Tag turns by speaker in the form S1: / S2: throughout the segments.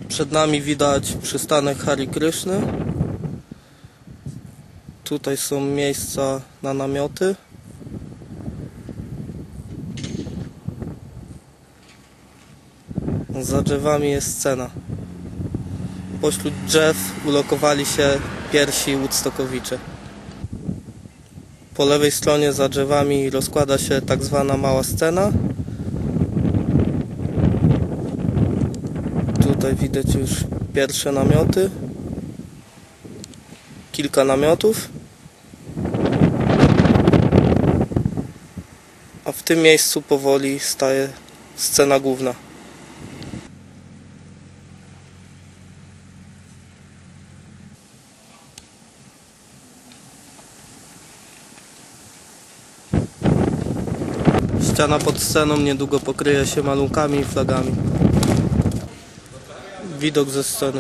S1: Przed nami widać przystanek Hari Kryszny. Tutaj są miejsca na namioty. Za drzewami jest scena. Pośród drzew ulokowali się pierwsi Woodstockowicze. Po lewej stronie za drzewami rozkłada się tak zwana mała scena. Tutaj widać już pierwsze namioty. Kilka namiotów. A w tym miejscu powoli staje scena główna. Ściana pod sceną niedługo pokryje się malunkami i flagami. Widok ze sceny.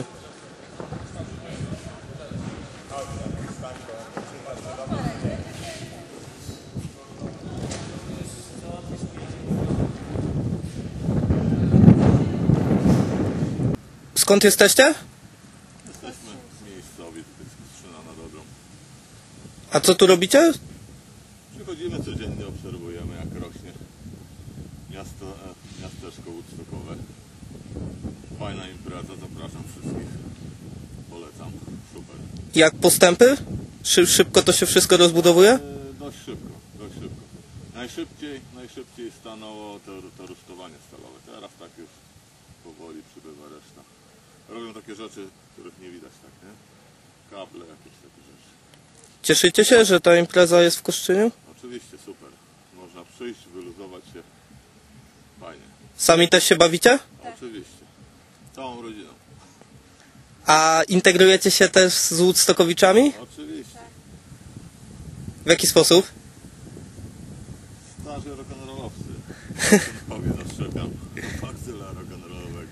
S1: Skąd jesteście?
S2: Jesteśmy miejscowi, to jest Kostrzyna na Dobrą.
S1: A co tu robicie?
S2: Przychodzimy codziennie, obserwujemy jak rośnie miasteczko Woodstockowe. Fajna impreza, zapraszam wszystkich. Polecam, super.
S1: Jak postępy? Szybko to się wszystko rozbudowuje?
S2: Dość szybko, dość szybko. Najszybciej stanęło to rusztowanie stalowe. Teraz tak już powoli przybywa reszta. Robią takie rzeczy, których nie widać, tak, nie? Kable, jakieś takie rzeczy.
S1: Cieszycie się, że ta impreza jest w Kostrzyniu?
S2: Oczywiście super. Można przyjść, wyluzować się. Fajnie.
S1: Sami też się bawicie?
S2: Oczywiście. Całą rodziną.
S1: A integrujecie się też z Woodstockowiczami?
S2: Oczywiście.
S1: W jaki sposób?
S2: Starzy rock'n'rollowcy. Powie zastrzegam. Bakcyla rock'n'rollowego.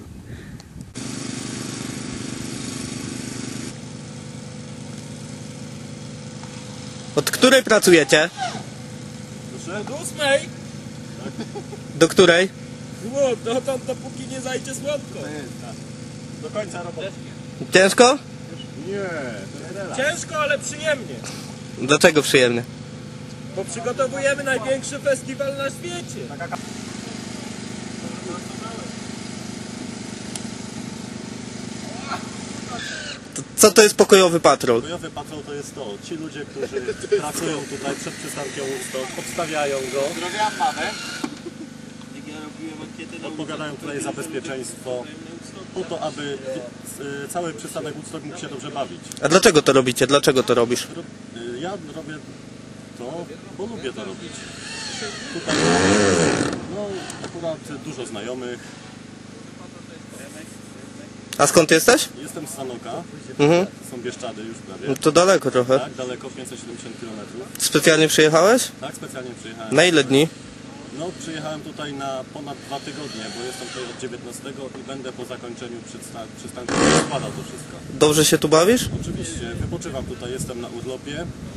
S1: Od której pracujecie?
S3: Proszę? Do 8.
S1: Do której?
S3: Dotąd, dopóki nie zajdzie słodko. Do końca roboty.
S1: Ciężko?
S2: Nie.
S3: Ciężko, ale przyjemnie.
S1: Dlaczego przyjemnie?
S3: Bo przygotowujemy największy festiwal na świecie.
S1: Co to jest pokojowy patrol?
S4: Pokojowy patrol to jest to. Ci ludzie, którzy pracują tutaj przed przystankiem Woodstock, obstawiają go.
S2: Pozdrawiam mamę.
S4: Odpowiadają tutaj za bezpieczeństwo, po to, aby cały przystanek Woodstock mógł się dobrze bawić.
S1: A dlaczego to robicie? Dlaczego to robisz?
S4: Ja robię to, bo lubię to robić. Tutaj no, akurat dużo znajomych.
S1: A skąd jesteś?
S4: Jestem z Sanoka, są Bieszczady już prawie.
S1: No to daleko trochę.
S4: Tak, daleko, 570 km.
S1: Specjalnie przyjechałeś?
S4: Tak, specjalnie przyjechałem.
S1: Na ile dni?
S4: No, przyjechałem tutaj na ponad 2 tygodnie, bo jestem tutaj od 19 i będę po zakończeniu przystanku składał to wszystko.
S1: Dobrze się tu bawisz?
S4: Oczywiście, wypoczywam tutaj, jestem na urlopie.